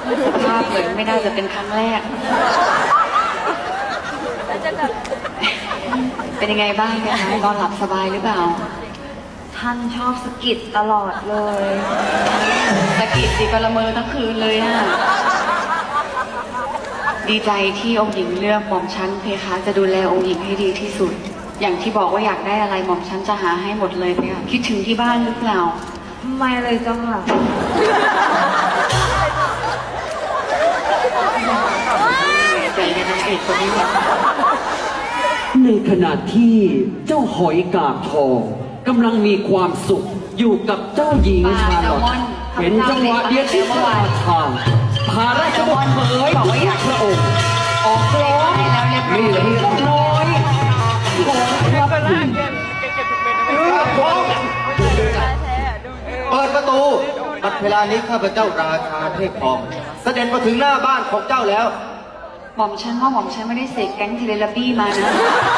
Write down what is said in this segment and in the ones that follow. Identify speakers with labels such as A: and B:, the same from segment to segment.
A: สภาพเหมือนไม่น่าจะเป็นครั้งแรก เป็นยังไงบ้างคะนอนหลับสบายหรือเปล่า
B: ท่านชอบสะกิดตลอดเลย
A: ตะกิดดีก็ละเมอทั้งคืนเลยอะดีใจที่องค์หญิงเลือกหม่อมชั้นเพคะจะดูแลองค์หญิงให้ดีที่สุด อย่างที่บอกว่าอยากได้อะไรหม่อมชั้นจะหาให้หมดเลยเพคะคิดถึงที่บ้านหรือเปล่า
B: ไม่เลยเจ้าค่ะ
A: ใจในนางเอกคนนี้
C: ในขณะที่เจ้าหอยกาบทองกำลังมีความสุขอยู่กับเจ้าหญิงชาลอตเห็นจังหวะเดียวที่ปลาทางพาราชบุตรเผยบอกว่าอยากพระองค์ออกร้องนี่แหละเจ้าน้อยของพระคุณ
D: เปิดประตูบัดเวลานี้ข้าพเจ้าราชาเทพทองเสด็จมาถึงหน้าบ้านของเจ้าแล้ว
A: หม่อมชั้นว่าหม่อมชั้นไม่ได้เสกแก๊งเทเลบี้มานะ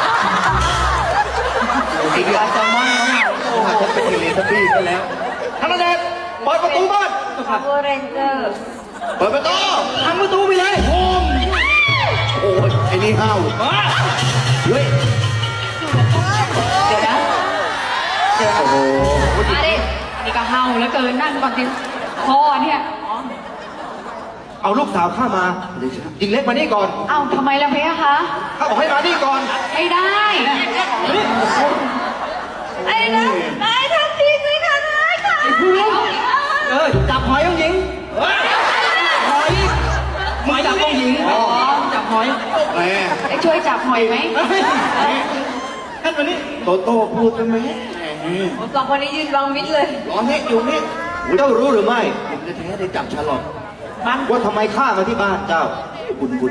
A: ติดปลาแซลมอนแล้วค่ะ
D: อาจจะเป็นเทเลทับบี้กันแล้วท่านเดชเปิดประตูบ้าน
B: Power Ranger
D: เปิดประตูทำประตูไปเลยโฮมโอ้ยไอ้นี่ห้าวเฮ้ย
A: เดี๋ยวนะ
D: โอ้โห
A: มาดินี่ก็เฮาแล้วเกินนั่งก่อนสิพ่อเนี่ย
D: เอาลูกสาวข้ามาหญิงเล็กมานี่ก่อน
A: เอ้าทำไมล่ะเพคะ
D: ข้าบอกให้มานี่ก่อน
A: ไม่ได้
B: ไอ้นะไอ้ทันทีสิค่ะนายค่ะ
C: จับหอยองหญิงหอยมึงจับองหญิงจับหอย
D: แหม
A: ได้ช่วยจับหอยไหม
D: ท่านมานี่โตโต้พูดกันไหม
B: สองคนนี้ยืนบังมิดเลย
D: ร้อนให้อยู่นี่เจ้ารู้หรือไม่ผมจะแท้ได้จับชาลอตว่าทำไมข้ามาที่บ้านเจ้าบุญ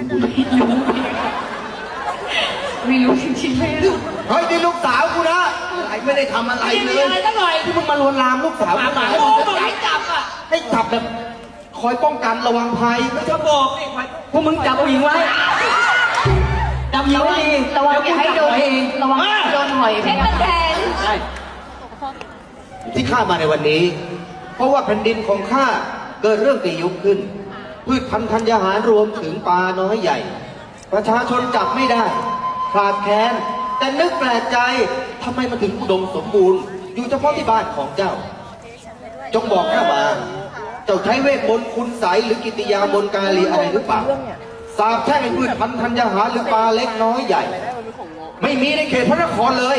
A: ไม่รู้จริงๆไม่รู้
D: เฮ้ยนี่ลูกสาวกูนะอะไรไม่ได้ทำอะไรเลย
B: อะไรตั้งหน่อย
D: ที่มึงมาลวนลามลูกสาวกูมา
B: โอ้บอกให้จับอ่ะ
D: ให้จับแบบคอยป้องกันระวังภัยไม่ชอบบอกนี่
C: พวกมึงจับองหญิงไว้จับหญิงไว้ดี
A: ระวังอย่าให้โดนระวังโดนหอยเพ
B: เพชร
A: คะ
B: มันแทน
C: ใช่
D: ที่ข้ามาในวันนี้ เพราะว่าแผ่นดินของข้าเกิดเรื่องตียุคขึ้น พืชพันธุ์ธัญญาหารรวมถึงปลาน้อยใหญ่ ประชาชนจับไม่ได้ขาดแคลนแต่นึกแปลกใจทำไมมันถึงอุดมสมบูรณ์ อยู่เฉพาะที่บ้านของเจ้า จงบอกข้ามา เจ้าใช้เวทมนต์คุณไสยหรือกิติยามนต์กาลีอะไรหรือเปล่าสาบแช่งให้พืชพันธุ์ธัญญาหารหรือปลาเล็กน้อยใหญ่ ไม่มีในเขตพระนครเลย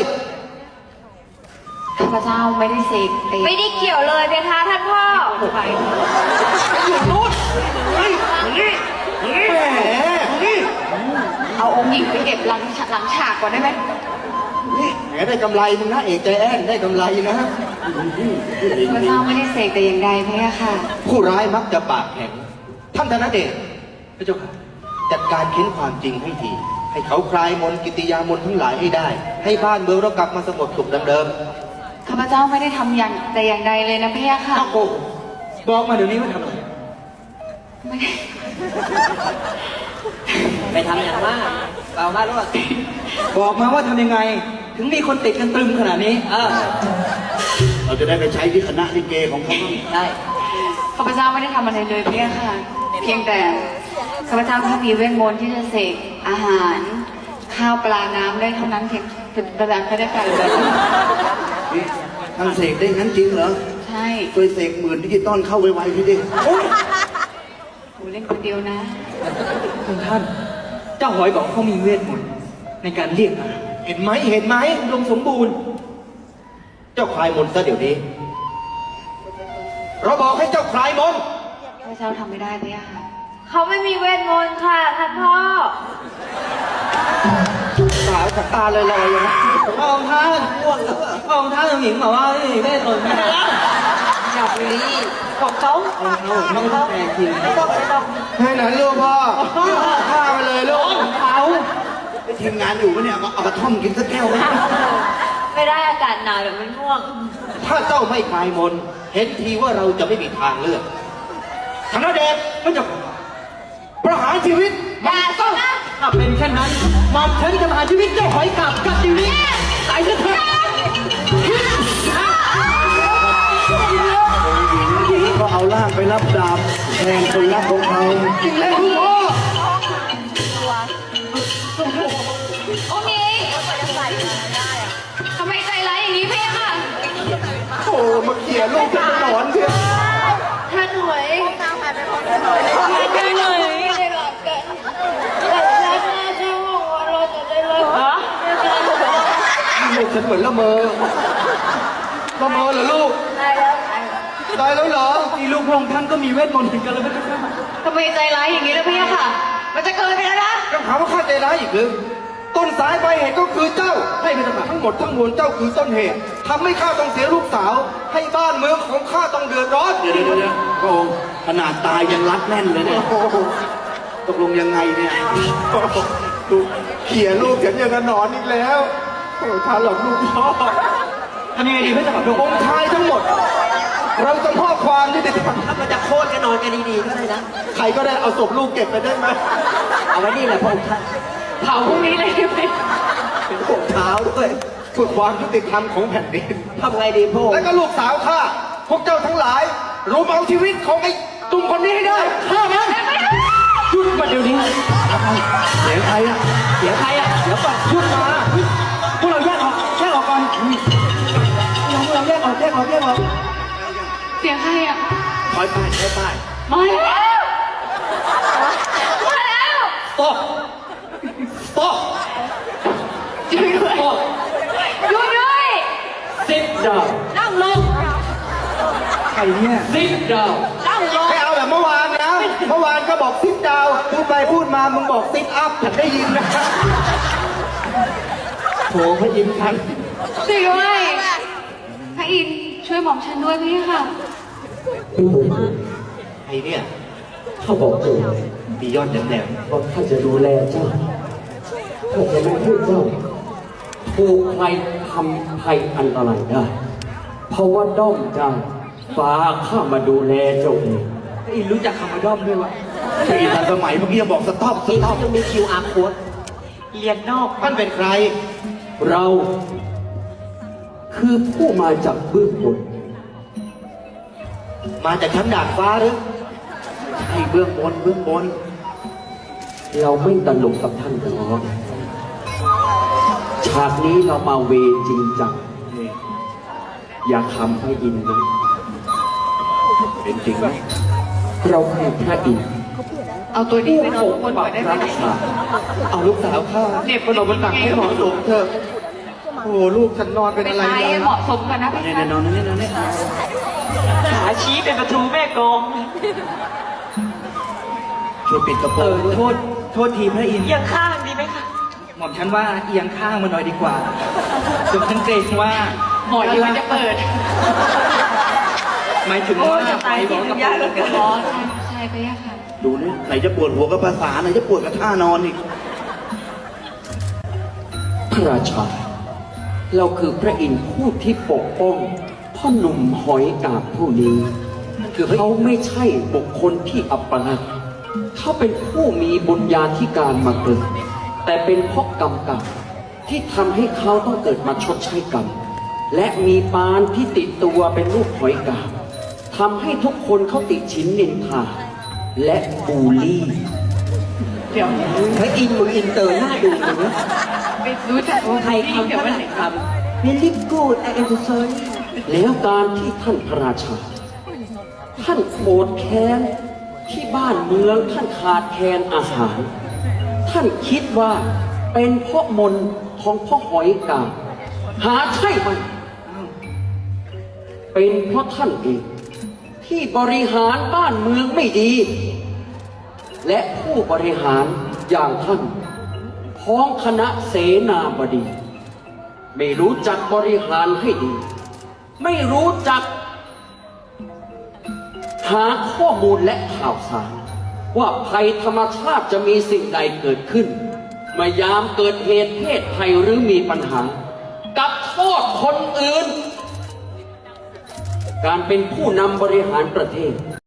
A: ข้าพเจ้าไม่ได้เสกเอง
B: ไม่ได้เกี่ยวเลยเพคะท่านพ่อ
A: ไป
D: อยู่นู้นเฮ้ยนี่แหมนี่
A: เอาองค์หญิงไปเก็บหลังฉากก่อนได้ไหม
D: นี่แหมได้กำไรมึงนะเอกใจแอนได้กำไรนะ
A: ข้าพเจ้าไม่ได้เสกแต่อย่างใดเพคะค่ะ
D: ผู้ร้ายมักจะปากแข็ง ท่านธนเดชพระเจ้าค่ะจัดการเค้นความจริงให้ที ให้เขาคลายมนต์กิติยามนต์ทั้งหลายให้ได้ ให้บ้านเมืองเรากลับมาสงบสุขดังเดิม
A: ข้าพเจ้าไม่ได้ทำอย่างแต่อย่างใดเลยนะเพคะค่ะ
D: โอ้บอกมาเดี๋ยวนี้ว่าทำอะไร
A: ไม่ได้
C: ไปทำอย่างว่าเปล่ามารู้ป่ะบอกมาว่าทำยังไง ถึงมีคนติดกันตรึมขนาดนี้
D: เราจะได้ไปใช้ที่คณะลิเกของเขา
C: ได้
A: ข้าพเจ้าไม่ได้ทำอะไรเลยเพคะค่ะ เพียงแต่ข้าพเจ้าแค่มีเวทมนต์ที่จะเสกอาหาร ข้าวปลาน้ำได้เท่านั้นเพียงประดานไม่ได้กันเลย
D: ทำเสกได้งั้นจริงเหรอ
A: ใช่
D: ช่วยเสกหมื่นดิจิตอลเข้าไวๆพี่ดิ
A: กูเล่นคนเดียวนะ
C: คุณท่าน เจ้าหอยบอกเขามีเวทมนต์ในการเรียกอาหาร
D: เห็นไหมเห็นไหมอุดมสมบูรณ์ เจ้าคลายมนต์ซะเดี๋ยวนี้ เราบอกให้เจ้าคลายมนต์
A: ข้าพเจ้าทำไม่ได้เพคะค่ะ
B: เขาไม่มีเวทมนต์ค่ะท่านพ่อ
D: สาวจากตาเลยลอยๆนะ
C: พระองค์ท่านพระองค์ท่านองหญิงบอกว่าไม่มีเวทมนต์ไม่ได้
B: อย่าบุรีของเขา
C: ต้องแปลจริง
B: ไม่ต้อง
D: ให้หนันลูกพ่อฆ่ามาเลยลูกเขาไปทีมงานอยู่ปะเนี่ยเอากระท่อมกินสักแก้วไหม
B: ไม่ได้อากาศหนาวเดี๋ยวมันง่วง
D: ถ้าเจ้าไม่คลายมนต์เห็นทีว่าเราจะไม่มีทางเลือกธนเดชก็จะประหารชีวิต
B: อย่าสินะ
C: ถ้าเป็นเช่นนั้นหม่อมฉันจะมาหาชีวิตเจ้าหอยกลับกับชีวิตตายซะเถอะ
D: ก็เอา
B: เอาล่างไปรับดาบแทนคนรักของเขา
D: จริงแล้วคุณพ่อ
A: โอเคทำไมใจร้ายอย่างนี้พี่ค่ะ
D: โอ้มาเขี่ยลูกจะหนอนเชียว
A: ท่านหน่วยท่านหน่วยได้หลับกันแต่ฉันน่าจะบอกว่าเราจะได้เลิกฮะ
D: ลูกฉันเหมือนละเมอเหรอลูก
A: ได้แล้ว
D: ตายแล้วเหรอ
C: นี่ลูกพระองค์ท่านก็มีเวทมนต์เหมือนกันแล้วไม่ใช่ไหม
A: ทำไมใจร้ายอย่างนี้นะพี่ค่ะ มันจะเกินไปแล้วนะ
D: ยังหาว่าข้าใจร้ายอีกหรือต้นสายปลายเหตุก็คือเจ้า ให้เป็นทั้งหมดทั้งมวลเจ้าคือต้นเหตุทำให้ข้าต้องเสียลูกสาว ให้บ้านเมืองของข้าต้องเดือดร้อน
B: เดี๋ยวพระองค์ขนาดตายยังรัดแน่นเลยเนี่ย
D: โอ้โห
B: ตกลงยังไงเนี่ย
D: ดูเขี่ยลูกฉันยังกระหนอนอีกแล้วโอ้ท่านหลอกลูกพ่อ
C: ทำยังไงดีไม่ต้องขอโทษ
D: องค์ชายทั้งหมด เราจะมอบความยุติธรรม
E: ถ้ามันจะโค่นกันนอนกันดีๆก็ได้นะ
D: ใครก็ได้เอาศพลูกเก็บไปได้ไหม
E: เอาไว้นี่แหละพระองค์ท่าน
A: เผาพรุ่งนี้เลยได้ไหม
D: เป็นพวกเท้าด้วยเพื่อความยุติธรรมของแผ่นดิน
E: ทำไงดีพระองค์
D: แล้วก็ลูกสาวข้าพวกเจ้าทั้งหลายรุมเอาชีวิตของไอ้ตุ้มคนนี้ให้ได้ฆ่ามัน
C: หยุดมาเดี๋ยวนี้
B: เสียงใครอะ
C: เสียงใครอ่ะเดี๋ยวก่อนหยุดมาพวกเราแยกออกก่อนพวกเราแยกออก
A: เสียงใครอ่ะ
B: คอยป้ายคอยป้าย
A: มาแล้วมาแล้ว
C: stop stop
A: ช่วยด้วย
C: stop
A: ช่วยด้วย
C: sit down
A: นั่งลง
C: ใครเนี่ย sit down
A: นั่งลง
D: ไม่เอาแบบเมื่อวานนะเมื่อวานก็บอกซิดดาวพูดไปพูดมามึงบอกซิดอัพฉันได้ยินนะ
C: โถพระอินทร์ท่าน
A: ช่วยด้วยพระอินทร์ช่วยหม่อมฉันด้วยพี่ค่ะ
D: ไอ้เนี่ย
C: เขาบอกเอง
D: มียอดแหลม
C: ว่าข้าจะดูแลเจ้าข้าจะไม่ให้เจ้าถูกใครทำภัยอันตรายได้ เพราะว่าด้อมเจ้าฟ้าข้ามาดูแลเจ้าเองไอ้รู้จักคำว่าด้อมด้วยวะ
B: ปีทันสมัยเมื่อกี้บอกสต็อป
E: นี่เขายังมี QR code เรียนนอก
D: ท่านเป็นใคร
C: เราคือผู้มาจากเบื้องบน
D: มาจากชั้นดาดฟ้าหรือ
B: ให้เบื้องบน
C: เราไม่ตลกกับท่านหรอกฉากนี้เรามาเวจริงจัง
B: นี่
C: อย่าคำพระอินทร์นะ
B: เป็นจริงไหม
C: เราคือพระอินทร์
A: เอาตัวนี้ไปนอนบนหัวได้ไหม
C: รักษา
D: เอาลูกสาวข้า
A: เด็ก
D: นอนบนตักให้เหมาะสมเถอะโอ้โหลูกฉันนอนเป็น
A: ไป
D: อะไร
A: ตาย
D: เนี่ย
A: เหมาะสมกันนะพี่
B: เนี่ย
A: ค่ะ
B: นอนนี่นอนนี่
E: ขาชี้เป็นประตูแม่กอง
B: ช่วยปิดกระโปรงด้วย
C: โทษทีพระอินทร์
E: เอียงข้างดีไหมคะ
C: หม่อมฉันว่าเอียงข้างมาหน่อยดีกว่าจนฉันเกรงว่า
A: หมอยมันจะเปิด
C: หมายถึงว่าไปบอกกับ
A: อ๋อใช่พี่ค่ะ
B: ดูนี่ไหนจะปวดหัวกับภาษาไหนจะปวดกับท่านอนอีก
C: พระราชา เราคือพระอินทร์ผู้ที่ปกป้องพ่อหนุ่มหอยกาบผู้นี้คือเขาไม่ใช่บุคคลที่อัปลักษณ์เขาเป็นผู้มีบุญญาธิการมาเกิด แต่เป็นเพราะกรรมเก่าที่ทำให้เขาต้องเกิดมาชดใช้กรรม และมีปานที่ติดตัวเป็นรูปหอยกาบทำให้ทุกคนเขาติดชิ้นนินทาและบูลลี่
A: เดี๋ยว
E: พระอินทร์มึงอินเตอร์หน้าดูเลยนะ
A: ไปรู้จัก
E: ไทยคำ
A: เดี๋ยว
E: ฝ
A: วัน
E: รั่
A: ไหน
E: งคำ very good I am sorry
C: แล้วการที่ท่านพระราชา ท่านโกรธแค้นที่บ้านเมืองท่านขาดแคลนอาหาร ท่านคิดว่าเป็นเพราะมนต์ของพ่อหอยกาบหาใช่ไหมเป็นเพราะท่านเองที่บริหารบ้านเมืองไม่ดี และผู้บริหารอย่างท่านพ้องคณะเสนาบดี ไม่รู้จักบริหารให้ดี ไม่รู้จัก หาข้อมูลและข่าวสาร ว่าภัยธรรมชาติจะมีสิ่งใดเกิดขึ้นเมื่อยามเกิดเหตุเพศภัยหรือมีปัญหา กับโทษคนอื่น การเป็นผู้นำบริหารประเทศ